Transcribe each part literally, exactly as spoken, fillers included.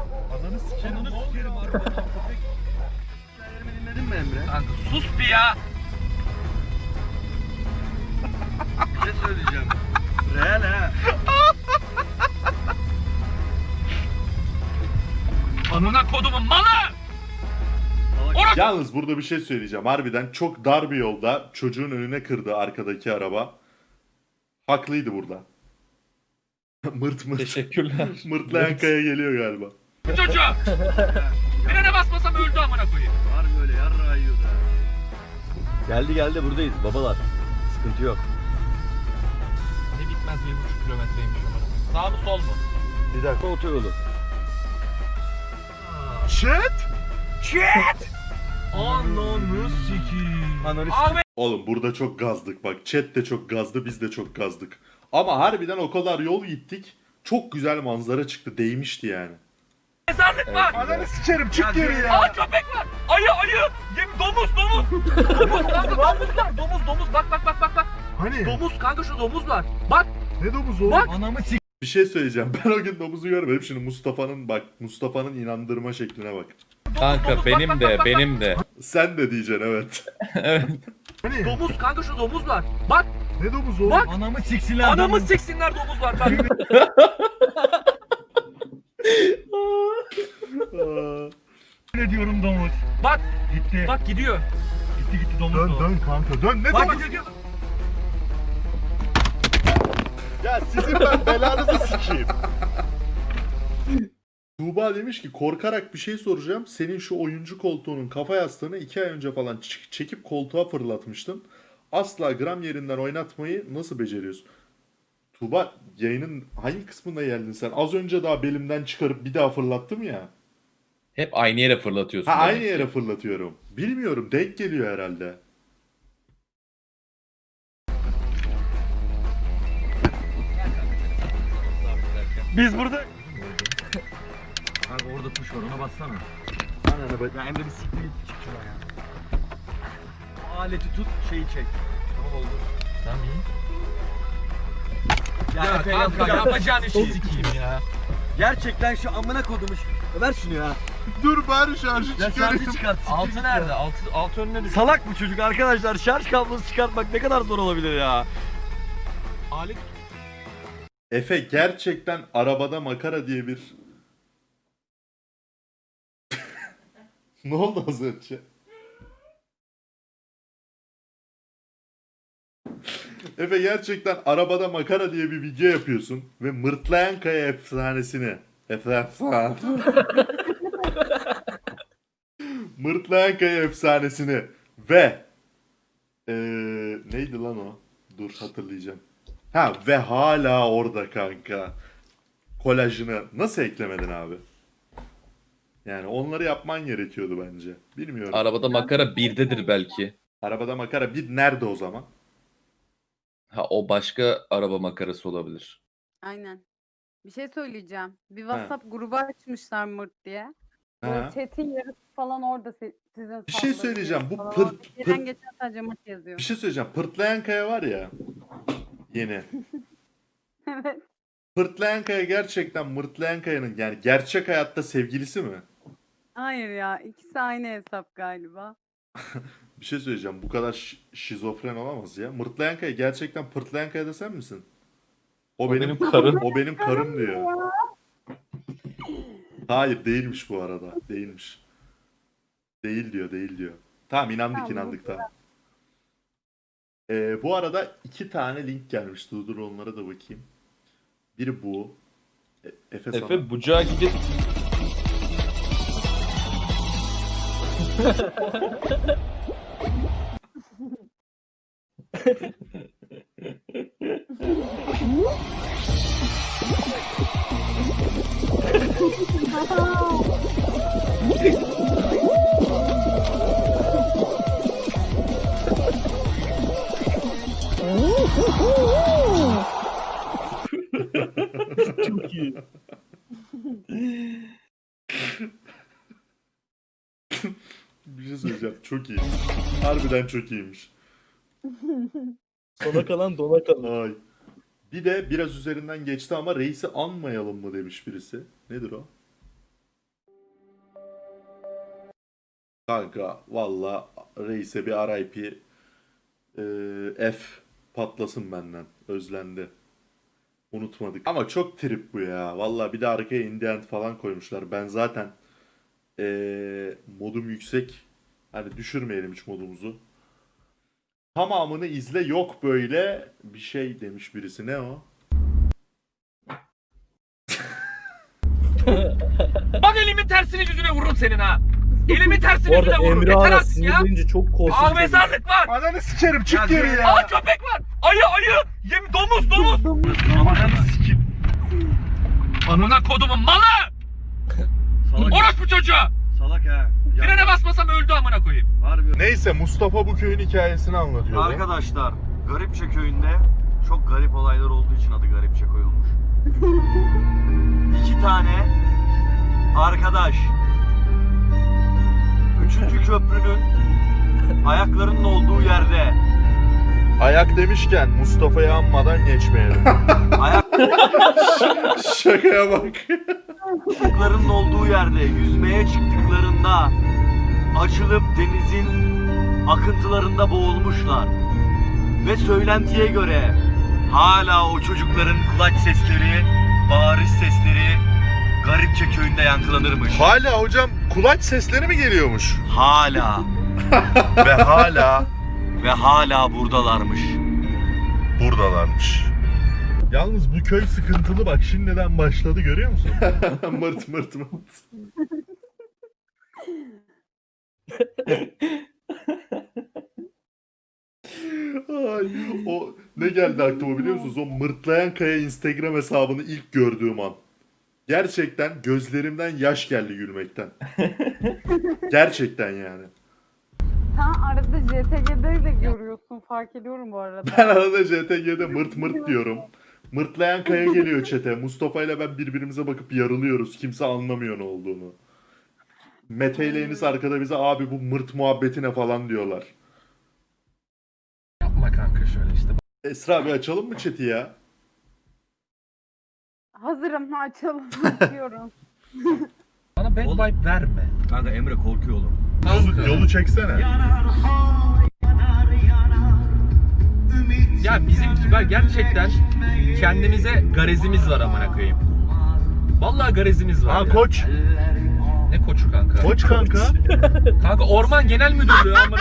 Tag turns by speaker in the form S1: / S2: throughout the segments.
S1: Ananı sikerim. Ananı sikerim harbiden. Köpek. Hikayelerimi dinledin mi Emre?
S2: Kanka sus bir ya.
S1: Bir şey söyleyeceğim. Real ha.
S2: Amına kodumun malı. Orası.
S3: Yalnız burada bir şey söyleyeceğim. Harbiden çok dar bir yolda çocuğun önüne kırdı arkadaki araba. Haklıydı burada. Mırt mırt.
S4: Teşekkürler.
S3: Mırtlayan kaya geliyor galiba.
S2: Çocuğu. Frene basmasam öldü amına koyayım.
S1: Var böyle yarrağı yiyordu ha.
S5: Geldi geldi buradayız babalar. Sıkıntı yok.
S2: Ne bitmez bir buçuk kilometreymiş amına. Sağ mı sol mu?
S5: Bir dakika otoyolu.
S1: Shit!
S2: Shit! Ananı sikiyim.
S5: Ananı
S2: Ahmet.
S3: Oğlum burada çok gazdık bak. Chat de çok gazdı, biz de çok gazdık. Ama harbiden o kadar yol gittik. Çok güzel manzara çıktı. Değmişti yani.
S2: Mezarlık var.
S1: Ananı sikerim çık geri ya.
S2: Aa köpek var. Ayı ayı. Yem domuz domuz. Domuz kanka domuz var. Domuz domuz bak bak bak bak bak.
S1: Hani?
S2: Domuz kanka şu domuz var. Bak.
S1: Ne domuzu o?
S2: Bak.
S1: Anamı sik.
S3: Bir şey söyleyeceğim. Ben o gün domuzu görmedim. Şimdi Mustafa'nın bak, Mustafa'nın inandırma şekline bak.
S4: Kanka
S2: domuz, bak,
S4: benim
S2: bak,
S4: de
S2: bak, bak,
S4: benim de.
S3: Sen de diyeceksin evet.
S4: Evet.
S1: Hani?
S2: Domuz kanka şu domuz var. Bak.
S1: Ne domuzu o?
S2: Bak.
S1: Anamı siksinler.
S2: Anamı siksinler domuz var bak.
S3: Aa,
S1: Ne diyorum domuz?
S2: Bak.
S1: Gitti.
S2: Bak gidiyor.
S1: Gitti gitti domuz. Dön dön kanka dön. Ne
S2: Bak
S1: domuz?
S2: gidiyor. gidiyor.
S3: ya sizin ben belanızı sikeyim. Tuğba demiş ki korkarak bir şey soracağım. Senin şu oyuncu koltuğunun kafa yastığını iki ay önce falan ç- çekip koltuğa fırlatmıştın. Asla gram yerinden oynatmayı nasıl beceriyorsun? Tuğba yayının hangi kısmında geldin sen? Az önce daha belimden çıkarıp bir daha fırlattım ya.
S4: Hep aynı yere fırlatıyorsun.
S3: Ha
S4: demek
S3: aynı
S4: ki.
S3: yere fırlatıyorum. Bilmiyorum denk geliyor herhalde.
S1: Biz burada. Kanka orada tuş var ona bassana.
S3: Ananı bak.
S1: Ya Emre bir siktir git çık şuraya. O aleti tut şeyi çek. Tamam oldu.
S2: Tamam iyi.
S1: Ya,
S2: Ya
S1: Efe,
S2: kanka
S1: yapma.
S2: yapacağın işi sikeyim ya.
S5: Gerçekten şu amına kodumuş. Ver şunu ya.
S3: Dur bari şarjı
S5: Ya şarjı çıkart.
S2: Altı nerede? Altı, altı önüne düştü.
S5: Salak bu çocuk arkadaşlar. Şarj kablosu çıkartmak ne kadar zor olabilir ya.
S2: Alet.
S3: Efe gerçekten arabada makara diye bir... Ne oldu az önce? Efe gerçekten arabada makara diye bir video yapıyorsun ve Mırtlayan Kaya efsanesini Efe Mırtlayan Kaya efsanesini ve ee, neydi lan o? Dur hatırlayacağım. Ha ve hala orada kanka. Kolajını nasıl eklemedin abi? Yani onları yapman gerekiyordu bence. Bilmiyorum.
S4: Arabada makara birdedir belki.
S3: Arabada makara bir nerede o zaman?
S4: Ha o başka araba makarası olabilir.
S6: Aynen. Bir şey söyleyeceğim. Bir WhatsApp grubu açmışlar Mırt diye. Böyle
S3: Ha.
S6: chat'in yarısı falan orada si- sizin
S3: Bir şey
S6: salladığınız
S3: söyleyeceğim. Bu
S6: falan.
S3: pırt-
S6: Gelen
S3: pırt-
S6: geçen sadece Mırt yazıyor.
S3: Bir şey söyleyeceğim. Pırtlayan Kaya var ya. Yeni.
S6: Evet.
S3: Pırtlayan Kaya gerçekten Mırtlayan Kaya'nın yani gerçek hayatta sevgilisi mi?
S6: Hayır ya. ikisi aynı hesap galiba.
S3: Bir şey söyleyeceğim. Bu kadar şi- şizofren olamaz ya. Mırtlayan Kaya gerçekten Pırtlayan Kaya da sen misin? O,
S4: O
S3: benim,
S4: benim karım.
S3: O benim karım diyor. Hayır değilmiş bu arada. Değilmiş. Değil diyor, değil diyor. Tamam inandık
S6: Tamam,
S3: inandık tamam. Ee, bu arada iki tane link gelmiş. Dur dur onlara da bakayım. Biri bu. E- Efe, sana.
S4: Efe bucağı gibi
S5: Çok iyi.
S3: Bir şey söyleyeceğim. Çok iyi. Harbiden çok iyiymiş.
S5: Sona kalan dona kalan.
S3: Ay. Bir de biraz üzerinden geçti ama reisi anmayalım mı demiş birisi. Nedir o? Kanka valla reise bir R I P eee, F patlasın benden. Özlendi. Unutmadık. Ama çok trip bu ya. Valla bir de arkaya indie end falan koymuşlar. Ben zaten eee, modum yüksek. Hani düşürmeyelim hiç modumuzu. Tamamını izle, yok böyle bir şey demiş birisi. Ne o?
S2: Bak elimin tersini yüzüne vururum senin ha. Elimin tersini
S7: Bu arada
S2: yüzüne vururum.
S7: Emre
S2: Yeter
S7: Ağa
S2: artık ya.
S7: sinirlenince çok
S2: Aa
S7: korkunç.
S2: mezarlık var.
S3: Ananı sikerim, çık
S1: Ya
S3: geri
S1: gel
S3: ya.
S2: Aa köpek var. Ayı ayı. Yem domuz domuz.
S1: Ananı sikeyim.
S2: Amına kodumun malı.
S1: Salak,
S2: Orospu çocuğa.
S1: salak ha. Ya,
S2: Frene basmasam öldü amına koyayım.
S1: harbi.
S3: Neyse, Mustafa bu köyün hikayesini anlatıyor.
S1: Arkadaşlar, Garipçe köyünde çok garip olaylar olduğu için adı Garipçe koyulmuş. İki tane arkadaş üçüncü köprünün ayaklarının olduğu yerde
S3: Ayak demişken Mustafa'yı anmadan geçmeyelim. Şakaya bak.
S1: ayaklarının olduğu yerde yüzmeye çıktıklarında açılıp denizin akıntılarında boğulmuşlar. Ve söylentiye göre hala o çocukların kulaç sesleri, bağırış sesleri Garipçe köyünde yankılanırmış.
S3: Hala hocam kulaç sesleri mi geliyormuş?
S1: Hala
S3: Ve hala
S1: ve hala buradalarmış.
S3: buradalarmış. Yalnız bu köy sıkıntılı, bak şimdiden başladı, görüyor musun? mırt mırt mırt. Ay, o ne geldi aklıma biliyor musunuz? O mırtlayan kaya Instagram hesabını ilk gördüğüm an. Gerçekten gözlerimden yaş geldi gülmekten. Gerçekten yani.
S6: Sen arada C T G'de de görüyorsun, fark ediyorum bu arada.
S3: Ben arada J T G'de mırt mırt diyorum. Mırtlayan kaya geliyor çete. Mustafa ile ben birbirimize bakıp yarılıyoruz. Kimse anlamıyor ne olduğunu. Mete ile Enis arkada bize abi bu mırt muhabbetine falan diyorlar.
S2: Yapma kanka şöyle işte.
S3: Esra bir açalım mı chat'i ya?
S6: Hazırım, açalım diyorum.
S2: Bana bad vibe verme.
S1: Kanka Emre korkuyor oğlum.
S3: Yolu, yolu çeksene.
S2: Ya bizim var gerçekten kendimize garezimiz var amına koyayım. Vallahi garezimiz var
S3: Ha
S2: ya.
S3: koç.
S2: Ne koçu kanka?
S3: Koç kanka.
S2: Kanka Orman Genel Müdürlüğü amına.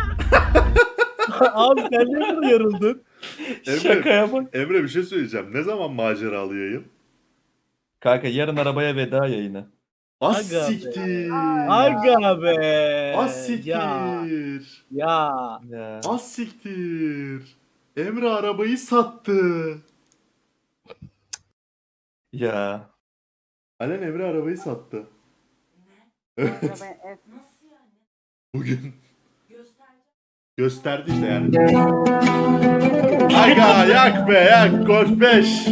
S7: Abi sen ne kadar yarıldın?
S3: Emre,
S5: Şakaya bak.
S3: Emre bir şey söyleyeceğim. Ne zaman maceralı yayın?
S5: Kanka yarın arabaya veda yayını.
S3: Az
S7: Aga be.
S3: siktir.
S7: Aga be.
S3: Az siktir.
S7: Ya. Ya.
S5: Ya.
S3: Az siktir. Emre arabayı sattı.
S5: Ya.
S3: Alen Emre arabayı sattı. Evet.
S6: Arabaya es-
S3: Bugün. Gösterdi işte yani. Aga yak be yak. Golf beş.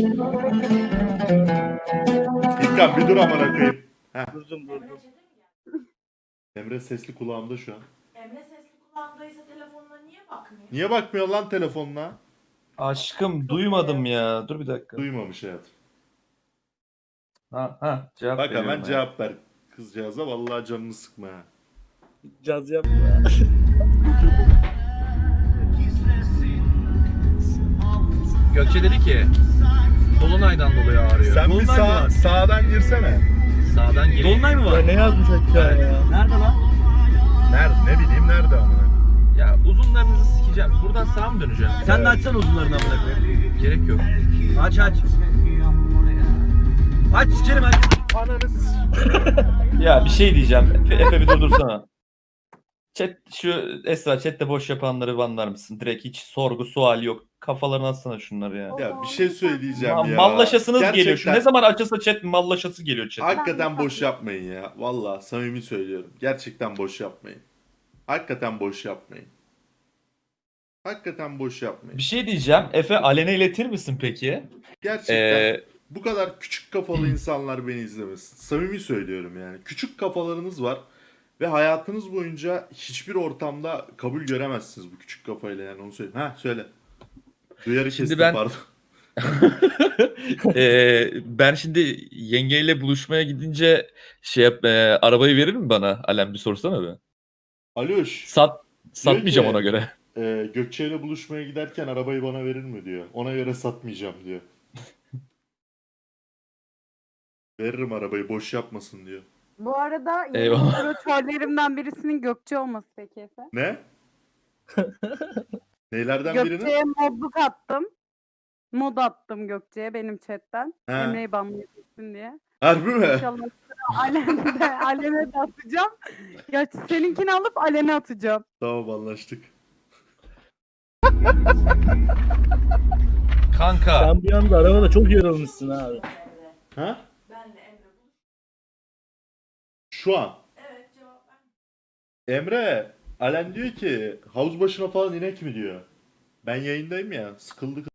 S3: İlkan bir dur amına koyayım.
S7: Durdum durdum.
S3: Emre sesli kulağımda şu an.
S8: Emre sesli kulağındaysa telefonuna niye bakmıyor?
S3: Niye bakmıyor lan telefonuna?
S5: Aşkım duymadım ya. Dur bir dakika.
S3: Duymamış hayatım.
S5: Ha ha cevap
S3: Bak
S5: veriyorum
S3: hemen
S5: ya.
S3: cevap ver kızcağıza. Vallahi canını sıkma ha.
S7: Caz yapma.
S2: Gökçe dedi ki Dolunay'dan dolayı ağrıyor.
S3: Sen bir
S1: Dolunay mı
S3: sağ,
S1: var?
S3: sağdan girsene.
S2: Sağdan geri.
S1: Dolunay mı
S7: Ya
S1: var?
S7: ne yazmış aşağıya ya?
S1: Nerede lan?
S3: Nerede? Ne bileyim nerede amına.
S2: Ya uzunlarınızı sikeceğim. Buradan sağa mı döneceğim?
S1: Sen de açsana uzunlarını amına koyayım.
S2: Gerek yok.
S1: Aç aç. Aç sikerim aç.
S3: Ananız.
S5: Ya bir şey diyeceğim. Efe, Efe bir durdursana. Chat şu Esra chatte boş yapanları banlar mısın? Direkt hiç sorgu sual yok. Kafalarına atsana şunları ya.
S3: Ya bir şey söyleyeceğim
S5: Ma-
S3: ya.
S5: mallaşasınız geliyor. Şu
S3: Gerçekten-
S5: ne zaman açılsa chat mallaşası geliyor chat.
S3: Hakikaten boş yapmayın ya. Vallahi samimi söylüyorum. Gerçekten boş yapmayın. Hakikaten boş yapmayın. Hakikaten boş yapmayın.
S5: Bir şey diyeceğim. Efe Alen'e iletir misin peki?
S3: Gerçekten
S5: Ee,
S3: bu kadar küçük kafalı insanlar beni izlemesin. Samimi söylüyorum yani. Küçük kafalarınız var ve hayatınız boyunca hiçbir ortamda kabul göremezsiniz bu küçük kafayla, yani onu söyleyeyim. Ha söyle. Duyarı
S5: Şimdi
S3: kestim
S5: ben-
S3: pardon.
S5: Ee, ben şimdi yengeyle buluşmaya gidince şey yap, e, arabayı verir mi bana? Alem bir sorsana be.
S3: Aloş.
S2: Sat satmayacağım
S3: ki-
S2: ona göre.
S3: e, Gökçe ile buluşmaya giderken arabayı bana verir mi diyor. Ona göre satmayacağım diyor. Veririm arabayı boş yapmasın diyor.
S6: Bu arada yeni
S2: Eyvallah.
S6: operatörlerimden birisinin Gökçe olması peki Efe.
S3: Ne? Neylerden birinin?
S6: Gökçe'ye modluk attım. Mod attım Gökçe'ye benim chatten.
S3: He.
S6: Emre'yi banlayabilsin diye.
S3: Harbi mi?
S6: İnşallah sıra Alem'de, Alem'e de atacağım. Ya seninkini alıp Alem'e atacağım.
S3: Tamam anlaştık.
S2: Kanka.
S7: Sen bir anda arabada çok yorulmuşsun abi.
S3: Ha?
S8: Benle Emre buluş.
S3: Şu an.
S8: Evet cevap ver.
S3: Emre, Alen diyor ki havuz başına falan inek mi diyor. Ben yayındayım ya sıkıldık.